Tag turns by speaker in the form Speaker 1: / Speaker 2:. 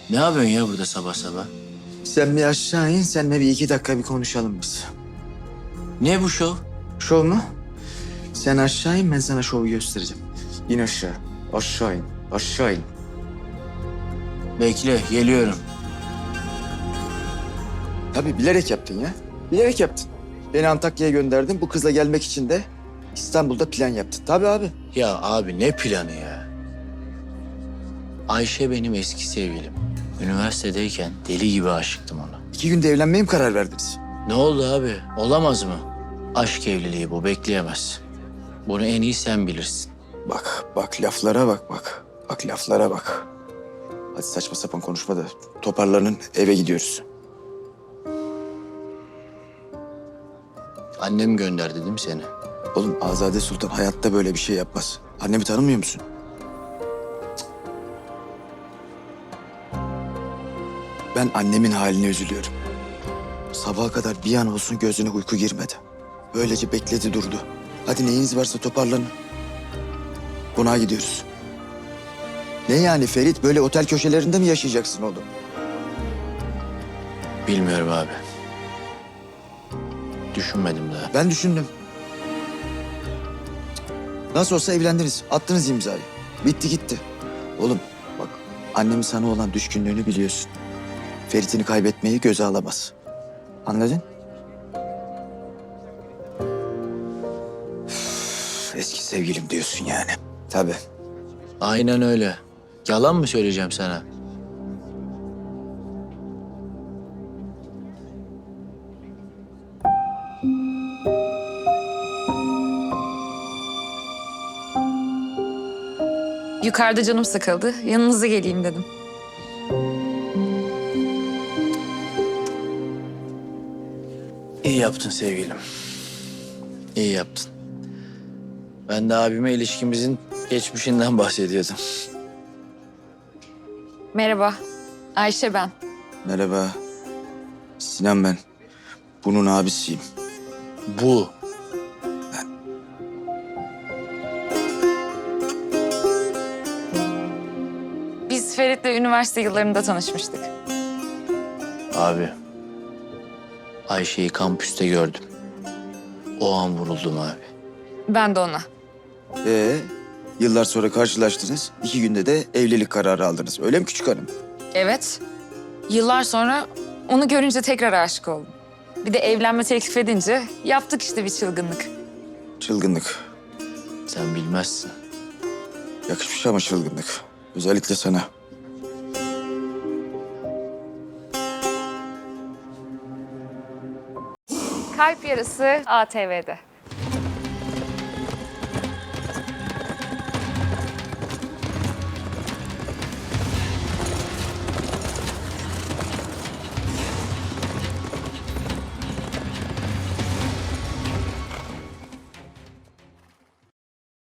Speaker 1: Ne yapıyorsun ya burada sabah sabah?
Speaker 2: Sen bir aşağı in, seninle bir 2 dakika bir konuşalım biz.
Speaker 1: Ne bu şov?
Speaker 2: Şov mu? Sen aşağı in, ben sana şovu göstereceğim. İn aşağı. Aşağı in. Aşağı in.
Speaker 1: Bekle, geliyorum.
Speaker 2: Tabii bilerek yaptın ya. Bilerek yaptın. Beni Antakya'ya gönderdin. Bu kızla gelmek için de İstanbul'da plan yaptın. Tabii abi.
Speaker 1: Ya abi ne planı ya? Ayşe benim eski sevgilim. Üniversitedeyken deli gibi aşıktım ona.
Speaker 2: 2 günde evlenmeye mi karar verdiniz?
Speaker 1: Ne oldu abi? Olamaz mı? Aşk evliliği bu, bekleyemez. Bunu en iyi sen bilirsin.
Speaker 2: Bak laflara bak. Bak laflara bak. Hadi saçma sapan konuşma da toparlanın, eve gidiyoruz.
Speaker 1: Annem gönderdi değil mi seni?
Speaker 2: Oğlum Azade Sultan hayatta böyle bir şey yapmaz. Annemi tanımıyor musun? Ben annemin haline üzülüyorum. Sabaha kadar bir an olsun gözüne uyku girmedi. Böylece bekledi durdu. Hadi neyiniz varsa toparlanın. Konağa gidiyoruz. Ne yani Ferit, böyle otel köşelerinde mi yaşayacaksın oğlum?
Speaker 1: Bilmiyorum abi. Düşünmedim daha.
Speaker 2: Ben düşündüm. Nasıl olsa evlendiniz. Attınız imzayı. Bitti gitti. Oğlum bak, annemin sana olan düşkünlüğünü biliyorsun. Ferit'ini kaybetmeyi göze alamaz. Anladın? Üf, eski sevgilim diyorsun yani. Tabii.
Speaker 1: Aynen öyle. Yalan mı söyleyeceğim sana?
Speaker 3: Yukarıda canım sıkıldı. Yanınıza geleyim dedim.
Speaker 1: İyi yaptın sevgilim. İyi yaptın. Ben de abime ilişkimizin geçmişinden bahsediyordum.
Speaker 3: Merhaba. Ayşe ben.
Speaker 2: Merhaba. Sinan ben. Bunun abisiyim.
Speaker 1: Bu.
Speaker 3: Biz Ferit'le üniversite yıllarında tanışmıştık.
Speaker 1: Abi. Ayşe'yi kampüste gördüm. O an vuruldum abi.
Speaker 3: Ben de ona.
Speaker 2: Yıllar sonra karşılaştınız. 2 günde de evlilik kararı aldınız. Öyle mi küçük hanım?
Speaker 3: Evet. Yıllar sonra onu görünce tekrar aşık oldum. Bir de evlenme teklif edince yaptık işte bir çılgınlık.
Speaker 2: Çılgınlık.
Speaker 1: Sen bilmezsin.
Speaker 2: Yakışmış ama çılgınlık. Özellikle sana.
Speaker 3: Kalp Yarısı ATV'de.